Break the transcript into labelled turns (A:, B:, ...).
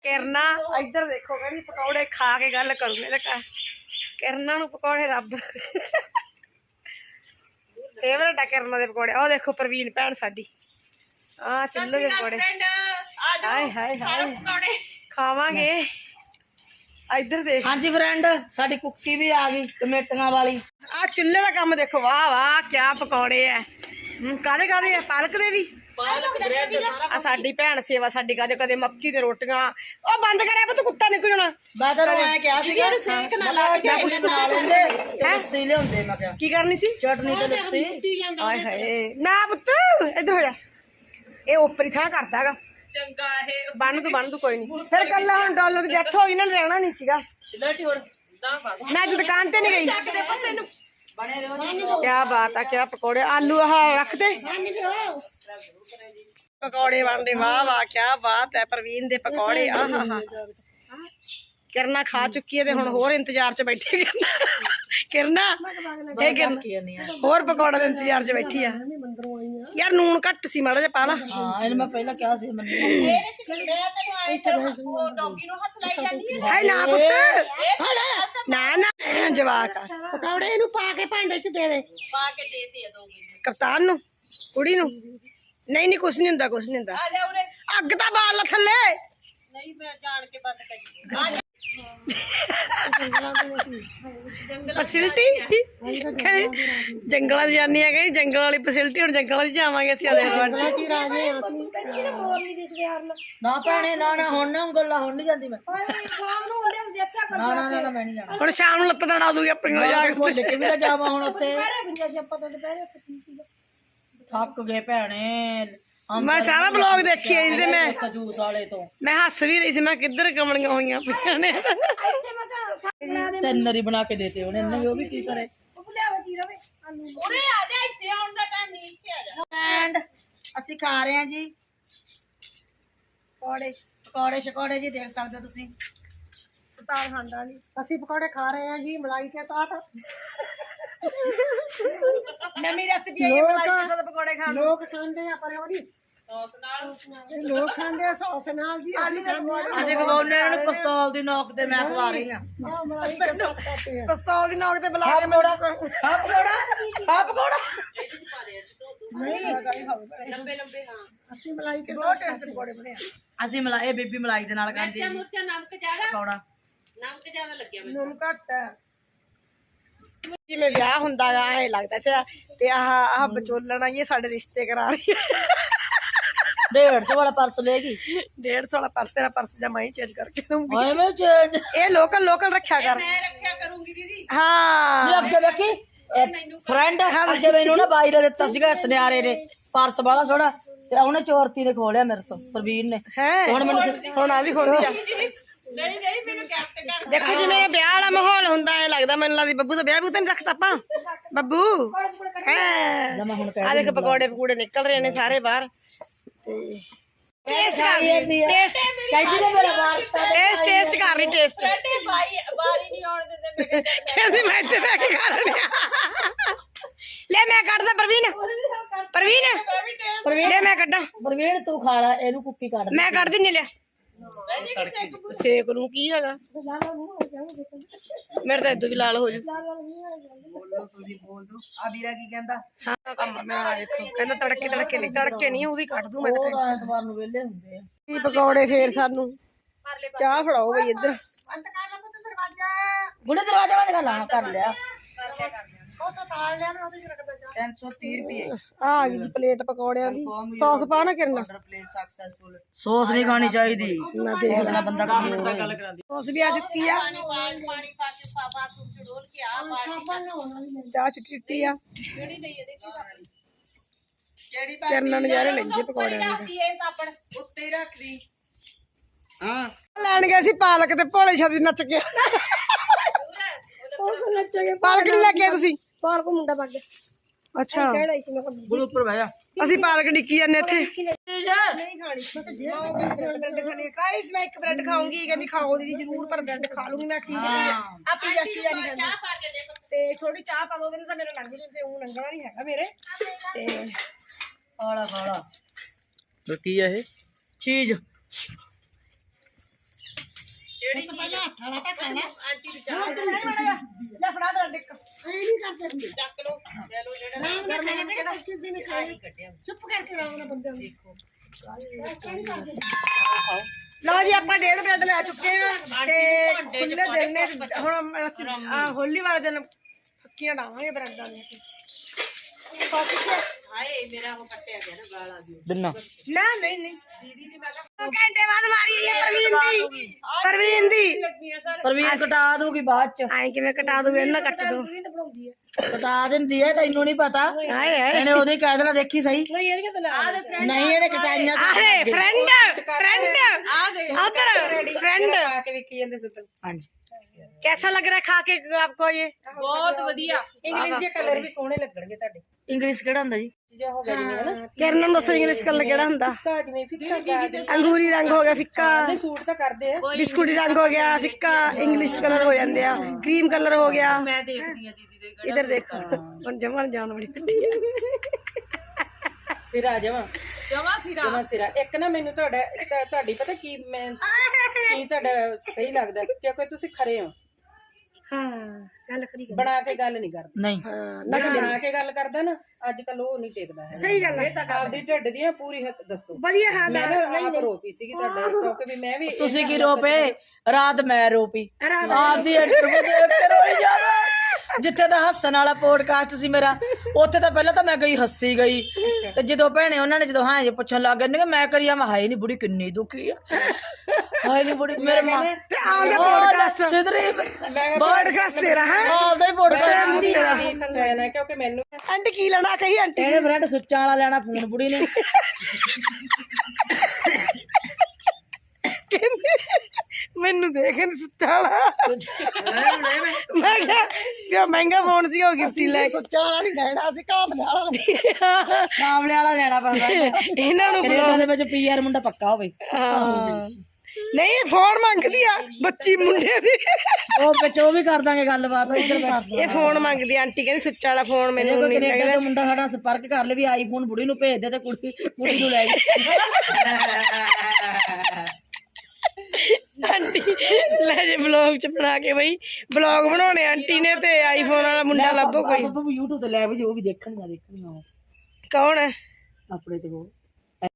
A: किरना इधर देखो कहती पकौड़े खा के गल करूंगे तो किरना नूं पकौड़े रब फेवरेट है किरना दे पकौड़े। ओ देखो प्रवीण भैन साडी आ चुल्हे दे पकौड़े हाय हाय हाय खावांगे। इधर देख
B: हाँ जी फ्रेंड साडी कुक्की भी आ गई टमेटियां वाली।
A: आ चुल्हे का काम देखो वाह वाह क्या पकौड़े है। कादे कादे है पालक दे भी आ साडी भैन सेवा साडी कदे कदे मक्की दे रोटियां ओ बंद करे पुੱਤ कुत्ता निकल जाना।
B: मैं तो मैं क्या सीगा सेक ना ला के कुछ बना लेंगे लस्सी लियाउंदे मैं क्या
A: की करनी सी
B: चटनी ते लस्सी।
A: हाय हाय ना पुੱਤ इधर हो जा ए ऊपर ही था करता हैगा चंगा है बन तू कोई नहीं फिर कल हम डॉलर की डेथ हो गई ना रहना नहीं सीगा मैं तो दुकान ते नहीं गई। क्या बात है क्या पकौड़े आलू रख दे पकौड़े बन रहे वाह वाह क्या बात है प्रवीण दे पकौड़े आहा हा किरना खा चुकी है हुण होर इंतजार च बैठी किरना होर पकौड़े दे इंतजार च बैठी है यार नून घट सी माड़ा जिहा पा ला।
B: हां इन मैं पहला क्या सी
A: है ना पुत्त ना ना जवाक पकौड़े इनू पा के भांडे च दे कप्तान नू कुड़ी नू नहीं नहीं कुछ नहीं हुंदा कुछ नहीं हुंदा अग तां बाल ला थल्ले नहीं मैं जान के बंद करी फैसिलिटी जंगल जानी है कहीं जंगल वाली फैसिलिटी हुण जंगल जावांगे असीं
B: ना भैणे ना ना हुण ना गल्ला हुण नहीं जांदी मैं ना ना ना मैं नहीं जाना
A: हुण शाम नूं लत्त तड़ा दूंगी अपनी कोल जा के
B: भुल के भी ना जावां हुण उत्ते थक गए भैणे।
A: मैं सारा ब्लॉग देखी है इसे मैं
B: जूस वाले तो
A: मैं हस भी रही थी मैं किधर कमलियां होईयां पईयां ने
B: तेन नरी बना के देते उन्हें इन्हें वो भी की करे एंड ਅਸੀਂ खा रहे हैं जी पकौड़े पकौड़े शकौड़े जी देख सकते हो तुसी
A: ताल खांदा नहीं ਅਸੀਂ पकौड़े खा रहे हैं जी मलाई के साथ नवी रेसिपी है मलाई के साथ पकौड़े खाने लोग खांदे हैं पर ओदी सॉस नाल लोग खांदे हैं सॉस नाल जी
B: ਅਸੀਂ ਖਵਾਉਨੇ ਇਹਨਾਂ ਨੂੰ ਪਿਸਤੌਲ ਦੀ ਨੋਕ ਤੇ ਮੈਂ ਖਵਾ ਰਹੀ ਹਾਂ
A: मलाई के साथ खाते हैं पिस्तौल दी नोक ते बुला के
B: ਹਾਂ ਪਕੌੜਾ
A: नहीं लंबे लंबे हां ਅਸੀਂ मलाई के साथ टेस्ट पकौड़े बने
B: ਅਸੀਂ ਮਲਾਈ ਇਹ ਬੀਬੀ ਮਲਾਈ ਦੇ ਨਾਲ ਖਾਂਦੀ ਹੈ
C: ਮੁਰਚਾ ਨਮਕ ਜ਼ਿਆਦਾ
B: ਪਕੌੜਾ
C: ਨਮਕ ਜ਼ਿਆਦਾ ਲੱਗਿਆ ਮੈਨੂੰ
A: ਨੂਨ ਘੱਟ ਹੈ ਜਿਵੇਂ ਵਿਆਹ ਹੁੰਦਾ ਗਾ ਐ ਲੱਗਦਾ ਸੀ ਤੇ ਆਹ ਵਿਚੋਲਣ ਆਈ ਸਾਡੇ ਰਿਸ਼ਤੇ ਕਰਾ ਰਹੀ ਹੈ
B: 150 वाला पर्स लेगी
A: 150 वाला पर्स तेरा पर्स जमा ही चेंज करके दूंगी
B: ओए मैं चेंज
A: ये लोकल लोकल रखा कर
C: ਮੈਂ ਰੱਖਿਆ ਕਰੂੰਗੀ ਦੀਦੀ
A: हाँ
B: ये अगे देखी फ्रेंड अगे मैनू ना बाई ने दिता सीगा सुनियारे ने पर्स वाला थोड़ा ते ਉਹਨੇ ਚੋਰਤੀ ਨੇ ਖੋਲਿਆ ਮੇਰੇ ਤੋਂ ਪ੍ਰਵੀਨ ਨੇ
A: है
B: ਹੁਣ ਮੈਨੂੰ
A: ਹੁਣ ਆ ਵੀ ਖੋਲਦੀ ਆ
C: ਨਹੀਂ ਨਹੀਂ ਮੈਨੂੰ ਕੈਪਟ ਕਰ
A: देखो जिवें ਵਿਆਹ वाला माहौल ਹੁੰਦਾ ਹੈ ਲੱਗਦਾ ਮੈਨੂੰ ਲੱਗਦੀ ਬੱਬੂ ਦਾ ਵਿਆਹ ਵੀ ਤਾਂ ਨਹੀਂ ਰੱਖਤਾ ਆਪਾਂ ਬੱਬੂ ਹੈ
B: ਮੈਂ ਹੁਣ
A: ਆ ਦੇਖ ਪਕੌੜੇ ਪਕੂੜੇ ਨਿਕਲ ਰਹੇ ਨੇ ਸਾਰੇ ਬਾਹਰ टेस्ट कर रही टेस्ट
B: ਕਹਿੰਦੀ ਨੇ ਮੇਰਾ ਵਾਰਤਾ
A: टेस्ट कर रही टेस्ट
C: ਬੇਟੇ ਬਾਰੀ ਨਹੀਂ ਆਉਣ ਦਿੰਦੇ ਮੇਰੇ
A: कहती मैं इतने बैठ के खा रही ले मैं कट दा प्रवीण प्रवीण ले मैं कटा
B: ਪ੍ਰਵੀਨ ਤੂੰ ਖਾ ਲੈ ਇਹਨੂੰ ਕੁੱਕੀ ਕੱਢ ਦੇ
A: मैं कट दी ले सेक लूं की हैगा मेरे तो इदू भी लाल हो जू हाँ काम मेरा देखो कहंदा तड़के नहीं ਉਹਦੀ ਕੱਢ ਦੂੰ ਮੈਂ ਤਾਂ
B: ਐਤਵਾਰ ਨੂੰ ਵੇਲੇ ਹੁੰਦੇ ਆ
A: ਕੀ ਪਕੌੜੇ ਫੇਰ ਸਾਨੂੰ ਚਾਹ ਫੜਾਓ ਬਈ ਇੱਧਰ
B: ਗੁੜੇ ਦਰਵਾਜ਼ਾ ਬੰਦ ਕਰ ਲਾ ਕਰ ਲਿਆ
D: 330 रुपये
A: आ गई जी प्लेट पकौड़ियां दी सॉस पाना करना
D: प्लेस सक्सेसफुल
B: ਸੌਸ ਨਹੀਂ ਖਾਣੀ ਚਾਹੀਦੀ
A: ना देख
B: ਨਾ ਬੰਦਾ ਕੀ ਹੋਵੇ
A: सॉस भी आ ਦਿੱਤੀ ਆ
C: ਪਾਣੀ ਪਾ ਕੇ ਪਾਵਾ ਸੁਣ ਡੋਲ ਕੇ ਆ ਪਾਣੀ
A: ਚਾਹ ਚਿੱਟੀ ਆ
C: ਜਿਹੜੀ ਲਈ ਇਹਦੇ ਕੀ
D: केड़ी
A: ਕਰਨਾ ਨਜ਼ਾਰੇ ਲੈਂਦੇ ਪਕੌੜਿਆਂ ਦੇ
C: ਕਰਦੀ ਇਹ ਸਾਬਣ
D: उत्ते ही रख दी हां
A: ਲੈਣ ਗਏ ਸੀ ਪਾਲਕ ਤੇ ਭੋਲੇ ਛਾਦੀ ਨੱਚ ਕੇ ਉਹ ਨੱਚੇ ਪਾਲਕ ਨਹੀਂ ਲੈ ਕੇ ਆਏ ਤੁਸੀਂ ਪਾਲਕ ਮੁੰਡਾ ਪੱਗ ਅੱਛਾ ਕਿਹੜਾ ਸੀ ਮੈਂ
B: ਗੁਰੂ ਉੱਪਰ ਬਹਿ ਜਾ
A: ਅਸੀਂ ਪਾਲਕ ਡਿੱਕੀ ਜਾਂਦੇ ਇੱਥੇ ਨਹੀਂ ਖਾਣੀ ਬ੍ਰੈਡ ਖਾਣੀ गाइस मैं एक ब्रेड खाऊंगी कहती खाओ दीदी जरूर पर ब्रेड खा लूंगी मैं ठीक है आप ही जानी
C: ਚਾਹ ਪਾ ਕੇ ਦੇ
A: ਤੇ ਥੋੜੀ ਚਾਹ ਪਾ ਦੋ ਉਹਦੇ ਨਾਲ ਤਾਂ ਮੇਰਾ ਲੰਘ ਜੂ ਤੇ ਉਹ ਲੰਘਣਾ ਨਹੀਂ ਹੈਗਾ ਮੇਰੇ ਤੇ
B: ਖਾਲਾ ਖਾਲਾ
D: तो की है
B: ਚੀਜ਼
A: ਲੈ ਫੜਾ ਬ੍ਰੈਡ ਇੱਕ ਲਓ ਜੀ ਆਪਾਂ 1.5 ਬ੍ਰੈਡ ਲੈ ਚੁੱਕੇ ਆ ਤੇ ਖੁੱਲੇ ਦਿਲ ਨੇ ਹੁਣ ਅਸੀਂ ਹੋਲੀ ਵਾਲੇ ਦਿਨ ਫੱਕੀਆਂ ਡਾਵਾਂਗੇ ਬ੍ਰੈਡਾਂ ਦੀਆਂ
C: ਹਾਏ ਮੇਰਾ ਉਹ ਕੱਟਿਆ ਗਿਆ ਨਾ ਗਾਲ ਆ ਗਈ
B: ਦਿਨਾ
A: ਨਾ ਨਹੀਂ ਨਹੀਂ ਦੀਦੀ ਦੀ ਮੈਂ ਕਿਹਾ ਘੰਟੇ ਬਾਅਦ ਮਾਰੀ ਹੈ ਪ੍ਰਵੀਨ ਦੀ
B: ਪ੍ਰਵੀਨ ਕਟਾ ਦੂਗੀ ਬਾਅਦ ਚ
A: ਆਏ ਕਿਵੇਂ ਕਟਾ ਦੂਗੇ ਇਹਨਾਂ ਕੱਟ ਦੋ
B: ਕਟਾ ਦਿੰਦੀ ਹੈ ਤੈਨੂੰ ਨਹੀਂ ਪਤਾ
A: ਹਾਏ ਹਾਏ
B: ਇਹਨੇ ਉਹਦੇ ਕਹਿ ਦੇਣਾ ਦੇਖੀ ਸਹੀ ਨਹੀਂ ਇਹਨੇ ਕਟਾਈਆਂ
A: ਆਹੇ फ्रेंड उधर फ्रेंड
D: आके विकी ਜਾਂਦੇ ਸੁੱਤ
B: ਹਾਂਜੀ
A: कैसा लग रहा है खा के आपको ये
C: ਬਹੁਤ ਵਧੀਆ
D: ਇੰਗਲਿਸ਼ ਦੇ ਕਲਰ ਵੀ ਸੋਹਣੇ ਲੱਗਣਗੇ ਤੁਹਾਡੇ
B: ਇੰਗਲਿਸ਼ ਕਿਹੜਾ ਹੁੰਦਾ ਜੀ
D: ਚੀਜ਼ਾਂ ਹੋ ਗਈਆਂ ਨੇ ਹਨਾ
A: किरण दसो इंग्लिश कलर केड़ा हुंदा
D: ਕਾ ਜਿਵੇਂ ਫਿੱਕਾ ਗਾ
A: अंगूरी रंग हो गया फिक्का
D: ਸੂਟ ਤਾਂ ਕਰਦੇ ਆ
A: बिस्कुटी रंग हो गया फिक्का इंग्लिश कलर हो जांदे आ क्रीम कलर हो गया
C: ਮੈਂ ਦੇਖਦੀ ਆ ਦੀਦੀ ਦੇ
A: इधर देखो हुन जमन जान बड़ी कट्टी है
D: ਫਿਰ ਆ ਜਾਵਾਂ
C: ਜਮਾ ਸਿਰਾ
D: ਜਮਾ ਸਿਰਾ ਇੱਕ ਨਾ ਮੈਨੂੰ ਤੁਹਾਡੀ ਪਤਾ ਕੀ ਮੈਂ ਕੀ ਤੁਹਾਡਾ ਸਹੀ ਲੱਗਦਾ ਕਿਉਂਕਿ ਤੁਸੀਂ ਖਰੇ ਹੋ
A: हां गल करी
D: ਬਣਾ ਕੇ ਗੱਲ ਨਹੀਂ ਕਰਦੇ
B: ਨਹੀਂ
A: हां
D: ਜਿਹੜਾ ਬਣਾ ਕੇ ਗੱਲ ਕਰਦਾ ਨਾ ਅੱਜ ਕੱਲ ਉਹ ਨਹੀਂ ਟਿਕਦਾ ਹੈ
A: सही गल है
D: ਇਹ ਤਾਂ ਆਪਦੀ ਢਿੱਡ ਦੀ ਨਾ ਪੂਰੀ ਹੱਕ ਦੱਸੋ
A: बढ़िया हां
D: ਮੈਂ ਨਾ ਆਪ ਰੋਪੀ ਸੀਗੀ ਤੁਹਾਡਾ ਕਿਉਂਕਿ ਵੀ ਮੈਂ ਵੀ
B: ਤੁਸੀਂ ਕੀ ਰੋਪੇ ਰਾਤ ਮੈਂ ਰੋਪੀ ਆਪਦੀ ਇੰਟਰਵਿਊ ਦੇਖ ਕੇ ਰੋਈ ਜਾਵਾ ਜਿੱਥੇ ਤਾਂ ਹੱਸਣ ਵਾਲਾ ਪੋਡਕਾਸਟ ਸੀ ਮੇਰਾ ਉੱਥੇ ਤਾਂ ਪਹਿਲਾਂ ਤਾਂ ਮੈਂ ਗਈ ਹੱਸੀ ਗਈ ਤੇ ਜਦੋਂ ਭੈਣੇ ਉਹਨਾਂ ਨੇ ਜਦੋਂ ਹਾਂ ਜੇ ਪੁੱਛਣ ਲੱਗ ਗਏ ਨੇ ਮੈਂ ਕਰੀਆ ਮੈਂ ਹਾਏ ਨਹੀਂ ਬੁੜੀ ਕਿੰਨੀ ਦੁਖੀ ਆ ਹਾਏ ਨਹੀਂ ਬੁੜੀ ਮੇਰੇ ਮਾਂ
A: ਤੇ ਆਉਂਦਾ ਪੋਡਕਾਸਟ
B: ਸਿੱਧਰੀ
A: पॉडकास्ट तेरा है
B: ਆਉਂਦਾ ਹੀ ਪੋਡਕਾਸਟ
A: तेरा
D: ਫੈਨ ਹੈ ਕਿਉਂਕਿ ਮੈਨੂੰ
A: आंटी की लेना कही आंटी
B: ਇਹਨੇ ਫਰੈਂਡ ਸੁੱਚਾਂ ਵਾਲਾ ਲੈਣਾ ਫੋਨ ਬੁੜੀ ਨੇ
A: ਮੈਨੂੰ ਦੇਖ ਨੀ ਸੁੱਚਾ ਵਾਲਾ ਮੈਂ ਕਿਹਾ ਮਹਿੰਗਾ ਫੋਨ ਸੀ ਹੋ ਗਈ ਸੀ ਲੈ
B: ਸੁੱਚਾਂ ਵਾਲਾ ਨਹੀਂ ਲੈਣਾ ਸੀ ਕਾਮਲੇ ਵਾਲਾ ਲੈਣਾ ਪੈਂਦਾ
A: ਇਹਨਾਂ ਨੂੰ
B: ਕੈਨੇਡਾ ਦੇ ਵਿੱਚ ਪੀਆਰ ਮੁੰਡਾ ਪੱਕਾ ਹੋਵੇ
A: ਹਾਂ ਨਹੀਂ ਇਹ ਫੋਨ ਮੰਗਦੀ ਆ ਬੱਚੀ ਮੁੰਡੇ ਦੀ
B: ਉਹ ਵਿੱਚ ਉਹ ਵੀ ਕਰ ਦਾਂਗੇ ਗੱਲਬਾਤ ਇੱਧਰ ਕਰਦੇ
A: ਇਹ ਫੋਨ ਮੰਗਦੀ ਆਂਟੀ ਕਹਿੰਦੀ ਸੁੱਚਾ ਵਾਲਾ ਫੋਨ ਮੈਨੂੰ ਨਹੀਂ
B: ਕੈਨੇਡਾ ਦਾ ਮੁੰਡਾ ਸਾਡਾ ਸੰਪਰਕ ਕਰ ਲੈ ਵੀ ਆਈਫੋਨ ਬੁੜੀ ਨੂੰ ਭੇਜ ਦੇ ਤੇ ਕੁੜੀ ਨੂੰ ਲੈ
A: ਆਂਟੀ ਲੈ ਜੇ ਵਲੌਗ ਚ ਬਣਾ ਕੇ ਬਈ ਵਲੌਗ ਬਣਾਉਣੇ ਆਂਟੀ ਨੇ ਤੇ ਆਈਫੋਨ ਵਾਲਾ ਮੁੰਡਾ ਲੱਭੋ ਕੋਈ
B: YouTube ਤੇ ਲੈ ਵੀ ਜੋ ਵੀ ਦੇਖਣਗਾ
A: ਕੌਣ ਹੈ
B: ਆਪਣੇ ਤੇ ਉਹ